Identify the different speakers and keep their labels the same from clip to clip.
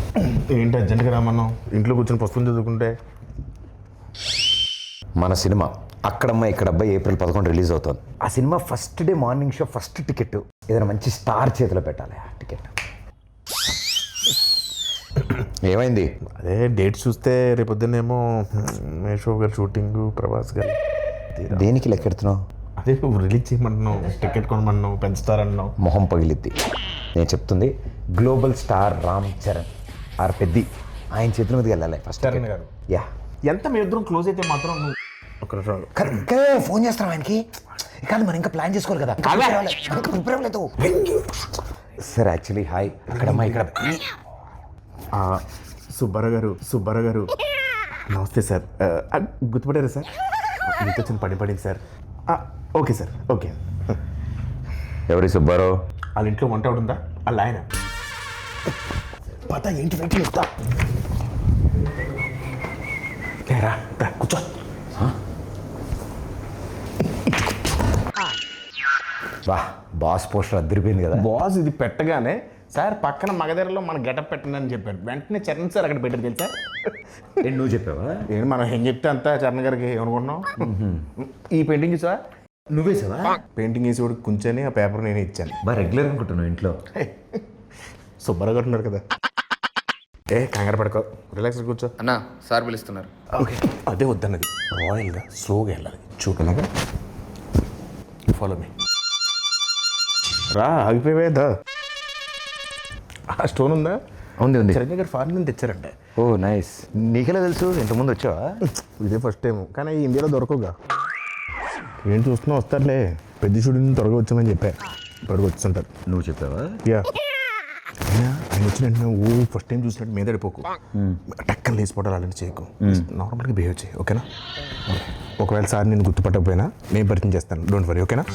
Speaker 1: ఏంటి అర్జెంట్గా రామన్నావు? ఇంట్లో కూర్చొని పుస్తకం చదువుకుంటే.
Speaker 2: మన cinema Akkadamma Ikkadabbayi April 11 release అవుతుంది. ఆ cinema first day morning show first ticket ఏదైనా మంచి స్టార్ చేతిలో పెట్టాలి. ఆ టికెట్ ఏమైంది?
Speaker 1: అదే డేట్ చూస్తే రేపొద్దునేమో మేషో గారు షూటింగ్, ప్రభాస్ గారు.
Speaker 2: దేనికి లెక్కెడుతున్నావు?
Speaker 1: అదే నువ్వు రిలీజ్ చేయమంటున్నావు, టికెట్ కొనమన్నావు, పెంచుతారన్నావు.
Speaker 2: మొహం పగిలిద్ది. నేను చెప్తుంది global star Ram Charan R Peddi ఆయన చేతుల మీదకి వెళ్ళాలి ఫస్ట్.
Speaker 1: చరణ్ గారు
Speaker 2: యా
Speaker 1: ఎంత మీ ఇద్దరం క్లోజ్ అయితే మాత్రం నువ్వు ఒక
Speaker 2: కరెక్ట్గా ఫోన్ చేస్తాం ఆయనకి. కాదు మనం ఇంకా ప్లాన్ చేసుకోవాలి కదా. ప్రిపేర్ అవ్వలేదు సార్. యాక్చువల్లీ హాయ్ అక్కడమ్మా ఇక్కడ
Speaker 1: సుబ్బారావు గారు నమస్తే సార్. గుర్తుపడారా సార్? మీతో చిన్న పడింది సార్. Okay sir, okay.
Speaker 2: ఎవరి సుబ్బారావు?
Speaker 1: వాళ్ళ ఇంట్లో వంట ఉందా? వాళ్ళ ఆయన పత ఏంటి వెయిట్ చేస్తా. కూర్చో.
Speaker 2: వా బాస్ పోస్టర్ అద్దరిపోయింది కదా.
Speaker 1: బాస్ ఇది పెట్టగానే సార్ పక్కన మగధరలో మన గెటప్ పెట్టండి అని చెప్పాడు. వెంటనే చరణ్ సార్ అక్కడ పెట్టారు తెలుసా?
Speaker 2: నువ్వు చెప్పావా?
Speaker 1: ఏంటి మనం ఏం చెప్తే అంతా చరణ్ గారికి ఏమనుకుంటున్నావు? ఈ పెయింటింగ్ చూసా?
Speaker 2: నువ్వే సావా?
Speaker 1: పెయింటింగ్ వేసి కూడా కూర్చొని ఆ పేపర్ నేనే ఇచ్చాను.
Speaker 2: బాగా రెగ్యులర్ అనుకుంటున్నావు ఇంట్లో.
Speaker 1: సుబ్బారావు గారు ఉన్నారు కదా. కంగారు పడుకో, రిలాక్స్ కూర్చో.
Speaker 3: అన్నా సార్ పిలుస్తున్నారు.
Speaker 1: ఓకే అదే వద్దన్నది. రాయల్గా స్లోగా వెళ్ళాలి. చూడలాగా ఫాలో మీ. రా ఆగిపోయేదా? ఆ స్టోన్ ఉందా?
Speaker 2: ఉంది.
Speaker 1: చిరంజీవి గారు ఫారెన్ నుంచి తెచ్చారంట.
Speaker 2: ఓ నైస్. నీకెలా తెలుసు? ఇంతకుముందు వచ్చావా?
Speaker 1: ఇదే ఫస్ట్ టైం, కానీ ఇండియాలో దొరకవుగా. ఏం చూస్తున్నా వస్తారులే. పెద్ద షూటింగ్ త్వరగా వచ్చామని చెప్పా. త్వరగా వచ్చుంటారు.
Speaker 2: నువ్వు చెప్పావా?
Speaker 1: యా. ఆయన వచ్చిన వెంటనే ఫస్ట్ టైం చూసినట్టు మీద పడిపోకు. టక్కన లేచిపోవడాలు అలాంటి చేయకు. నార్మల్గా బిహేవ్ చేయి, ఓకేనా? ఒకవేళ సార్ నేను గుర్తుపట్టకపోయినా నేను పరిచయం చేస్తాను. డోంట్ వరీ, ఓకేనా?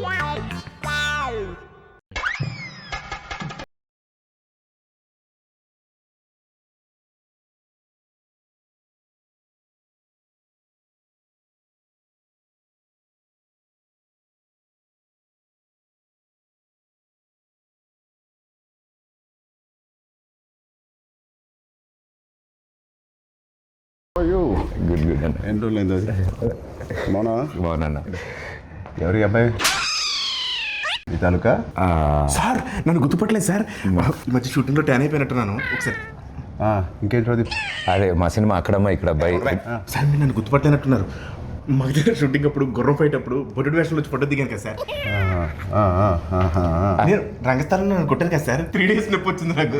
Speaker 2: గుడ్ అన్న.
Speaker 4: ఎన్ని రోజులైంది అది?
Speaker 2: బాగున్నా.
Speaker 4: ఎవరి అబ్బాయి? ఈ తాలూకా?
Speaker 1: సార్ నన్ను గుర్తుపట్టలేదు సార్. ఈ మధ్య షూటింగ్లో ట్యాన్ అయిపోయినట్టున్నాను. ఒకసారి
Speaker 4: ఇంకేంటి అది?
Speaker 2: అదే మా సినిమా అక్కడమ్మా ఇక్కడ అబ్బాయి.
Speaker 1: సార్ మీరు నన్ను గుర్తుపట్టలేనట్టున్నారు. మా దగ్గర షూటింగ్ అప్పుడు గుర్రం ఫైట్ అప్పుడు బొడ్డు వేషంలో వచ్చి ఫోటో దిగాను కదా సార్. నేను రంగస్థలంలో నన్ను కొట్టాను కదా సార్. 3 days నొప్పి వచ్చింది నాకు.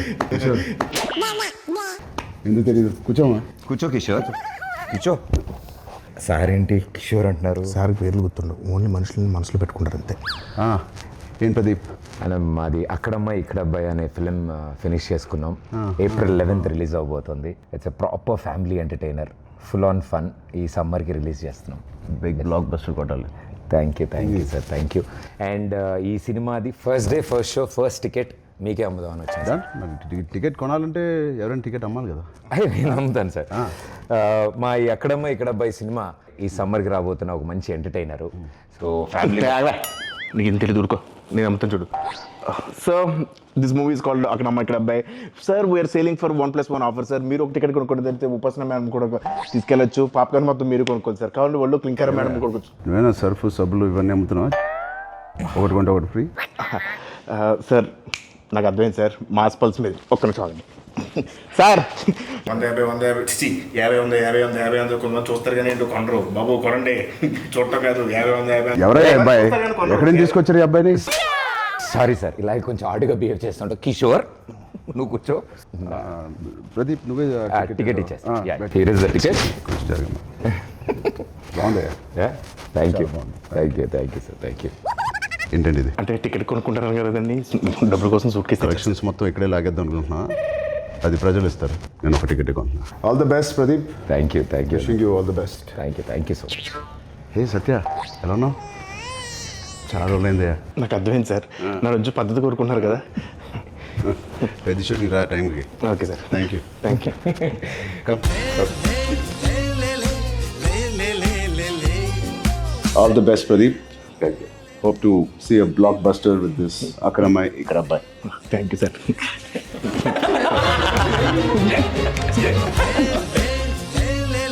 Speaker 4: ఎందుకు తెలియదు? కూర్చోమా.
Speaker 2: కూర్చో కిషోర్, కూర్చో. సార్ ఏంటి కిషోర్ అంటున్నారు?
Speaker 1: సార్ పేర్లు గుర్తుండవు, ఓన్లీ మనుషులని మనసులో పెట్టుకుంటారు అంతే.
Speaker 4: ఏం ప్రదీప్?
Speaker 2: అలా మాది అక్కడమ్మ ఇక్కడ అబ్బాయి అనే ఫిలిం ఫినిష్ చేసుకున్నాం. April 11 రిలీజ్ అవబోతుంది. It's a proper family entertainer, full on fun. ఈ సమ్మర్కి రిలీజ్ చేస్తున్నాం.
Speaker 4: Big blockbuster.
Speaker 2: Thank you sir, thank you. And ఈ సినిమాది first day first show first ticket మీకే అమ్ముదామని వచ్చింది.
Speaker 4: టికెట్ కొనాలంటే ఎవరైనా టికెట్ అమ్మాలి కదా.
Speaker 2: అయ్యో నేను అమ్ముతాను సార్. మా ఈ అక్కడమ్మ ఇక్కడ అబ్బాయి సినిమా ఈ సమ్మర్కి రాబోతున్న ఒక మంచి ఎంటర్టైనరు. సో ఫ్యామిలీ
Speaker 1: నీకు ఏం తెలియదు, ఊరుకో, నేను అమ్ముతాను చూడు. So this movie is called Akkadamma Ikkada Abbayi. Sir we are selling for 1+1 offer sir. మీరు ఒక టికెట్ కొనుక్కోండి, తెలిస్తే ఉపాసన మేడం కూడా తీసుకెళ్ళచ్చు. పాప్కార్న్ మొత్తం మీరు కొనుక్కోండి సార్. కావాలి వాళ్ళు క్లింకర్ మేడం కొనుక్కోవచ్చు.
Speaker 4: నువ్వేనా సర్ఫ్ సబ్బులు ఇవన్నీ అమ్ముతున్నావా? ఒకటి కొంటే ఒకటి ఫ్రీ.
Speaker 1: సార్ నాకు అర్థమైంది సార్, మాస్ పల్స్ మీద. ఒక్క నిమిషం ఆగండి సార్. 150 కొంతమంది చూస్తారు కానీ ఏంటో కొనరు. బాబు కొనండి, చూడటం కాదు. 50
Speaker 4: ఎవరయ్యా అబ్బాయి? ఎక్కడి నుంచి తీసుకొచ్చారు ఈ అబ్బాయిని?
Speaker 2: సారీ సార్, ఇలా కొంచెం ఆడుగా బిహేవ్ చేస్తుంటా. కిషోర్ నువ్వు కూర్చో.
Speaker 4: ప్రదీప్ నువ్వే
Speaker 2: టికెట్ ఇచ్చేస్తా. Here is the ticket.
Speaker 4: బాగుందయ్యా.
Speaker 2: Thank you sir, thank you.
Speaker 4: ఏంటండి ఇది?
Speaker 1: అంటే టికెట్ కొనుక్కుంటారు కదండి, డబ్బుల కోసం సూట్ కేసు
Speaker 4: కలెక్షన్స్ మొత్తం ఇక్కడే లాగేద్దాం అనుకుంటున్నా. అది ప్రజలు ఇస్తారు, నేను ఒక టికెట్ కొంటున్నా. All the best Pradeep.
Speaker 2: Thank you
Speaker 4: wishing you all the best.
Speaker 2: Thank you so much.
Speaker 4: Hey Satya, ఎలా ఉన్నావు? చాలా రోజులైందయ్యా.
Speaker 1: నాకు అర్థమైంది సార్, నా రోజు పద్ధతి కోరుకుంటున్నారు కదా.
Speaker 4: పెద్ద షూటింగ్ రా టైంకి.
Speaker 1: Okay sir,
Speaker 4: thank you. All the best Pradeep. Thank you. Hope to see a blockbuster with this Akramai Ikrabbai.
Speaker 1: Thank you, sir.